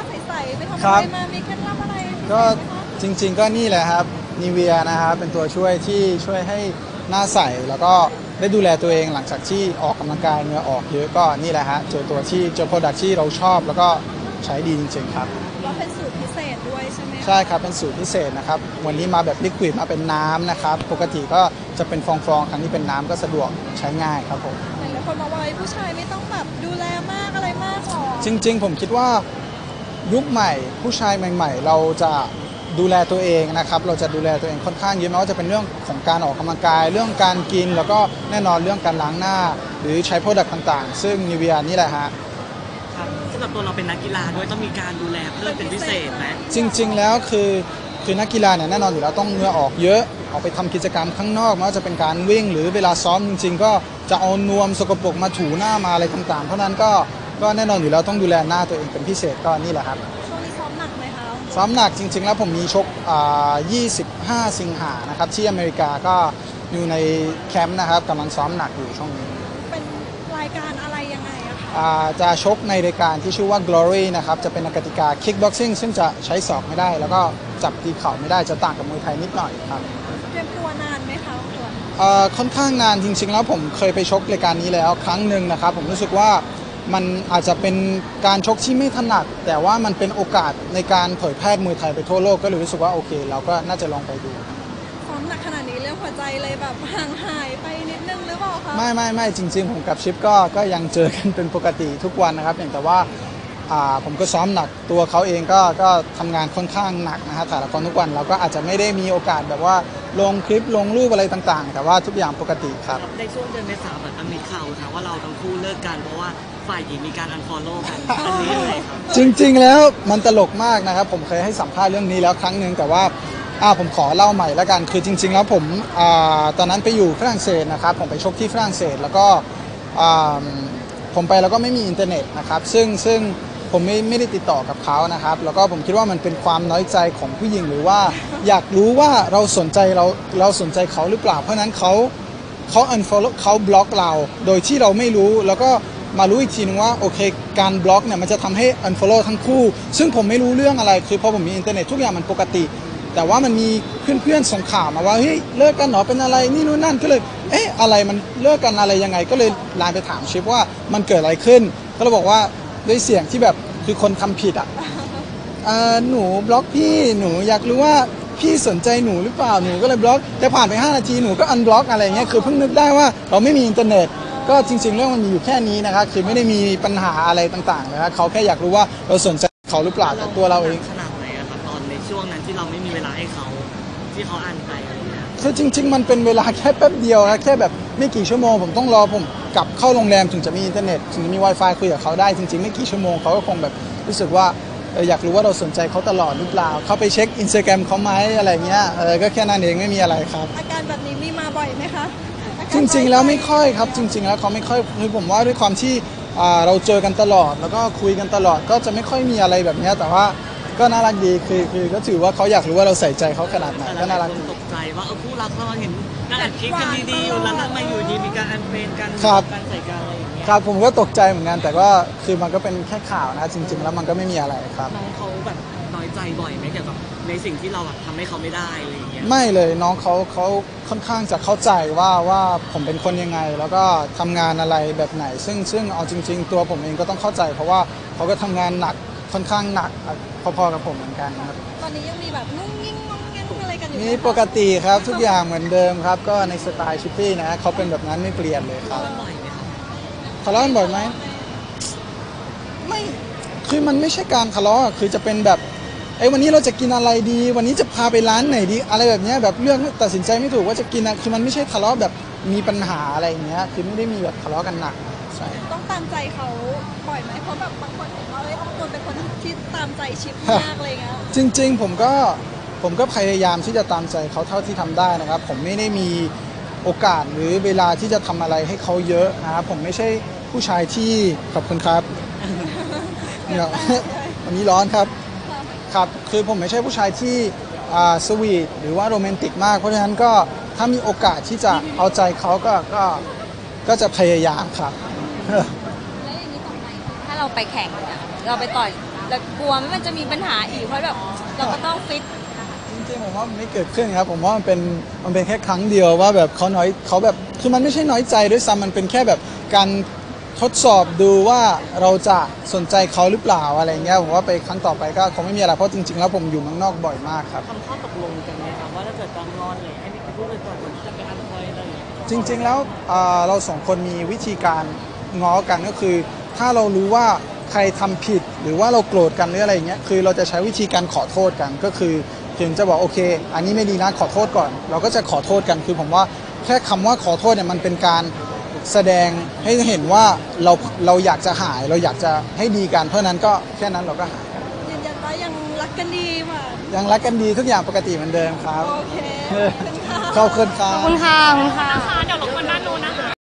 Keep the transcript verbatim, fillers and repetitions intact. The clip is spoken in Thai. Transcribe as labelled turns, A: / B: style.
A: ใสๆไปทำอะไรมามีเคล็ดลับอะไร
B: ก็จริงๆก็นี่แหละครับนีเวียนะครับเป็นตัวช่วยที่ช่วยให้หน้าใสแล้วก็ได้ดูแลตัวเองหลังจากที่ออกกำลังกายเหงื่อออกเยอะก็นี่แหละฮะเจอตัวที่เจอโปรดักที่เราชอบแล้วก็ใช้ดีจริงๆครับ
A: ว่าเป็นสูตรพิเศษด้วยใช่ไหม
B: ใช่ครับเป็นสูตรพิเศษนะครับวันนี้มาแบบลิควิดมาเป็นน้ำนะครับปกติก็จะเป็นฟองๆครั้งนี้เป็นน้ำก็สะดวกใช้ง่ายครับผม
A: หลายคนมาว่าผู้ชายไม่ต้องแบบดูแลมากอะไรมากหรอ
B: จริงๆผมคิดว่ายุคใหม่ผู้ชายใหม่ๆเราจะดูแลตัวเองนะครับเราจะดูแลตัวเองค่อนข้างเยอะไม่ว่าจะเป็นเรื่องของการออกกำลังกายเรื่องการกินแล้วก็แน่นอนเรื่องการล้างหน้าหรือใช้โปรดักต์ต่างๆซึ่งนิเวียนี่แหละฮะ
C: ครับสำหรับตัวเราเป็นนักกีฬาด้วยต้องมีการดูแลเพิ่มเป็นพิเศษไหม
B: จริงๆแล้วคือคือนักกีฬาเนี่ยแน่นอนอยู่แล้วต้องเหงื่อออกเยอะออกไปทำกิจกรรมข้างนอกไม่ว่าจะเป็นการวิ่งหรือเวลาซ้อมจริงๆก็จะเอานวมสกปรกมาถูหน้ามาอะไรต่างๆเพราะนั้นก็ก็แน่นอนอยู่แล้วต้องดูแลหน้าตัวเองเป็นพิเศษก็นี่แหละครับ
A: ช่วงนี้ซ้อมหนักไหมคะ
B: ซ้อมหนักจริงๆแล้วผมมีชกยี่สิบห้าสิงหานะครับที่อเมริกาก็อยู่ในแคมป์นะครับกำลังซ้อมหนักอยู่ช่วงนี้
A: เป็นรายการอะไรยังไงอะคะ
B: จะชกในรายการที่ชื่อว่า Glory นะครับจะเป็นกติกา Kickboxing ซึ่งจะใช้ศอกไม่ได้แล้วก็จับตีเข่าไม่ได้จะต่างกับมวยไทยนิดหน่อยครับ
A: เตรียมตัวนานไหมคะคุณ
B: ค่อนข้างนานจริงๆแล้วผมเคยไปชกรายการนี้แล้วครั้งหนึ่งนะครับผมรู้สึกว่ามันอาจจะเป็นการชกที่ไม่ถนัดแต่ว่ามันเป็นโอกาสในการเผยแพร่มวยไทยไปทั่วโลกก็เลยรู้สึกว่าโอเคเราก็น่าจะลองไปดู
A: ซ้อมหนักขนาดนี้เรื่องหัวใจเลยแบบห่างหายไปนิดนึงหรือเปล่าคะ
B: ไม่ไม่ไม่จริงๆผมกับชิปก็ก็ยังเจอกันเป็นปกติทุกวันนะครับอย่างแต่ว่าผมก็ซ้อมหนักตัวเขาเองก็ก็ทำงานค่อนข้างหนักนะฮะถ่ายละครทุกวันเราก็อาจจะไม่ได้มีโอกาสแบบว่าลงคลิปลงรูปอะไรต่างๆแต่ว่าทุกอย่างปกติครับ
C: ในช่วงเดือนเมษายนแบบมีข่าวค่ะว่าเราทั้งคู่เลิกกันเพราะว่าฝ่ายหญิงมีการอันฟอลโล่กันอันนี้เลยครับ
B: จริงๆแล้วมันตลกมากนะครับผมเคยให้สัมภาษณ์เรื่องนี้แล้วครั้งหนึ่งแต่ว่าอ่าผมขอเล่าใหม่แล้วกันคือจริงๆแล้วผมอ่าตอนนั้นไปอยู่ฝรั่งเศสนะครับผมไปชกที่ฝรั่งเศสแล้วก็อ่าผมไปแล้วก็ไม่มีอินเทอร์เน็ตนะครับซึ่งซึ่งผมไม่ไม่ได้ติดต่อกับเขานะครับแล้วก็ผมคิดว่ามันเป็นความน้อยใจของผู้หญิงหรือว่าอยากรู้ว่าเราสนใจเราเราสนใจเขาหรือเปล่าเพราะนั้นเขาเขา unfollow เขาบล็อกเราโดยที่เราไม่รู้แล้วก็มารู้อีกทีนึงว่าโอเคการบล็อกเนี่ยมันจะทำให้ unfollow ทั้งคู่ซึ่งผมไม่รู้เรื่องอะไรคือพอผมมีอินเทอร์เน็ตทุกอย่างมันปกติแต่ว่ามันมีเพื่อนๆส่งข่าวมาว่าเฮ้ยเลิกกันเหรอเป็นอะไรนี่นู่นนั่นก็เลยเอ๊ะอะไรมันเลิกกันอะไรยังไงก็เลยไลน์ไปถามชิปว่ามันเกิดอะไรขึ้นก็เลยบอกว่าด้วยเสียงที่แบบคือคนทำผิดอ่ะหนูบล็อกพี่หนูอยากรู้ว่าพี่สนใจหนูหรือเปล่าหนูก็เลยบล็อกแต่ผ่านไปห้านาทีหนูก็อันบล็อกอะไรเงี้ยคือเพิ่งนึกได้ว่าเราไม่มีอินเทอร์เน็ตก็จริงๆเรื่องมันมีอยู่แค่นี้นะครับคือไม่ได้มีปัญหาอะไรต่างๆนะครับเขาแค่อยากรู้ว่าเราสนใจเขาหรือเปล่าแต่ตัวเราเอง
C: ขนาดไหนอะครับตอนในช่วงนั้นที่เราไม่มีเวลาให้เขาที่เขาอันไปอะไรเงี้ย
B: คือจริงๆมันเป็นเวลาแค่แป๊บเดียวนะแค่แบบไม่กี่ชั่วโมงผมต้องรอผมกลับเข้าโรงแรมถึงจะมีอินเทอร์เน็ตถึงจะมี Wi-Fi คุยกับเขาได้จริงๆไม่กี่ชั่วโมงเขาก็คงแบบรู้สึกว่าอยากรู้ว่าเราสนใจเขาตลอดหรือเปล่าเขาไปเช็ค Instagram เขาไหมอะไรเงี้ยเออก็แค่นั้นเองไม่มีอะไรครับ
A: อาการแบบนี้มีมาบ่อยไหมคะ
B: จริงๆแล้วไม่ค่อยครับจริงๆแล้วเขาไม่ค่อยคือผมว่าด้วยความที่เราเจอกันตลอดแล้วก็คุยกันตลอดก็จะไม่ค่อยมีอะไรแบบนี้แต่ว่าก็น่ารักดีคือคือก็ถือว่าเขาอยากรู้ว่าเราใส่ใจเขาขนาดไหนก็น่ารักดี
C: ตกใจว่าเออคู่รักเราเห็นนั่งอัดคลิปกันดีๆอยู่แล้วทำไมอยู่ดีมีการอันเฟรนกันการใส่กันอะไรอย่างเงี้ย
B: ครับผมก็ตกใจเหมือนกันแต่ก็คือมันก็เป็นแค่ข่าวนะจริงๆแล้วมันก็ไม่มีอะไรครับ
C: น้องเขาแบบน้อยใจบ่อยไหมเกี่ยวกับในสิ่งที่เราแบบทำให้เขาไม่ได้อะไรอย่างเงี้ย
B: ไม่เลยน้องเขาเขาค่อนข้างจะเข้าใจว่าว่าผมเป็นคนยังไงแล้วก็ทำงานอะไรแบบไหนซึ่งซึ่งเอาจริงๆตัวผมเองก็ต้องเข้าใจเพราะว่าเขาก็ทำงานหนักค่อนข้างหนักพอๆกับผมเหมือนกันครับ
A: ตอนนี้ยังมีแบบงุ้งงิ้งงงงิ้งอะไรกันอยู่
B: นี่ปกติครับทุกอย่างเหมือนเดิมครับก็ในสไตล์ชิปปี้นะเขาเป็นแบบนั้นไม่เปลี่ยนเลยครับทะเลาะกันบ่อยไหมไม่คือมันไม่ใช่การทะเลาะคือจะเป็นแบบไอ้วันนี้เราจะกินอะไรดีวันนี้จะพาไปร้านไหนดีอะไรแบบนี้แบบเลือกตัดสินใจไม่ถูกว่าจะกินอะไรคือมันไม่ใช่ทะเลาะแบบมีปัญหาอะไรอย่างเงี้ยคือไม่ได้มีแบบทะเลาะกันหนักใช่
A: ต้องตามใจเขาบ่อยไหมเพราะแบบบางคนเห็นว่าเอ้ยบางคนเป็นคนที่ตามใจชิปมากเลยเงี้ย
B: จริงๆผมก็ผมก็พยายามที่จะตามใจเขาเท่าที่ทำได้นะครับผมไม่ได้มีโอกาสหรือเวลาที่จะทำอะไรให้เขาเยอะนะครับผมไม่ใช่ผู้ชายที่ขอบคุณครับเนี่ยวันนี้ร้อนครับครับคือผมไม่ใช่ผู้ชายที่สวีทหรือว่าโรแมนติกมากเพราะฉะนั้นก็ถ้ามีโอกาสที่จะเอาใจเขาก็ก็ก็จะพยายามครับ
D: แล้วอย่างนี้ต่อไปถ้าเราไปแข่งเราไปต่อยแล้วกลัวไหมมันจะมีปัญหาอีกเพราะแบบเราก็ต้องฟิต
B: จริงๆผมว่ามันไม่เกิดขึ้นครับผมว่ามันเป็นมันเป็นแค่ครั้งเดียวว่าแบบเขาน้อยเขาแบบคือมันไม่ใช่น้อยใจด้วยซ้ำมันเป็นแค่แบบการทดสอบดูว่าเราจะสนใจเขาหรือเปล่าอะไรเงี้ยผมว่าไปครั้งต่อไปก็คงไม่มีอะไรเพราะจริงๆแล้วผมอยู่เมืองนอกบ่อยมากครับ
C: ทำข้อตกลงกันไหมครับว่าถ้าเกิดตอนงอนเลยให้พี่พูดไปก่อนก่อนที่จะไปอันคอยอะไรอย่างเงี้ย
B: จริงๆแล้วอ่าเราสองคนมีวิธีการง้อกันก็คือ ถ้าเรารู้ว่าใครทำผิดหรือว่าเราโกรธกันหรืออะไรอย่างเงี้ยคือเราจะใช้วิธีการขอโทษกันก็คือถึงจะบอกโอเค อันนี้ไม่ดีนะขอโทษก่อน เราก็จะขอโทษกันคือผมว่าแค่คำว่าขอโทษเนี่ยมันเป็นการแสดงให้เห็นว่าเราเราอยากจะหายเราอยากจะให้ดีกันเพราะฉะนั้นก็แค่นั้นเราก็หายกัน
A: ยืนยันว่ายังรักกันดีเหมือน
B: ยังรักกันดีทุกอย่างปกติเหมือนเดิมครับ
A: โอเคขอบคุณค่ะ
B: ขอบคุณครับ
D: ขอบคุณค่ะขอบคุณค่ะ
E: เดี๋ยวรบกวนด้านนู้นนะคะ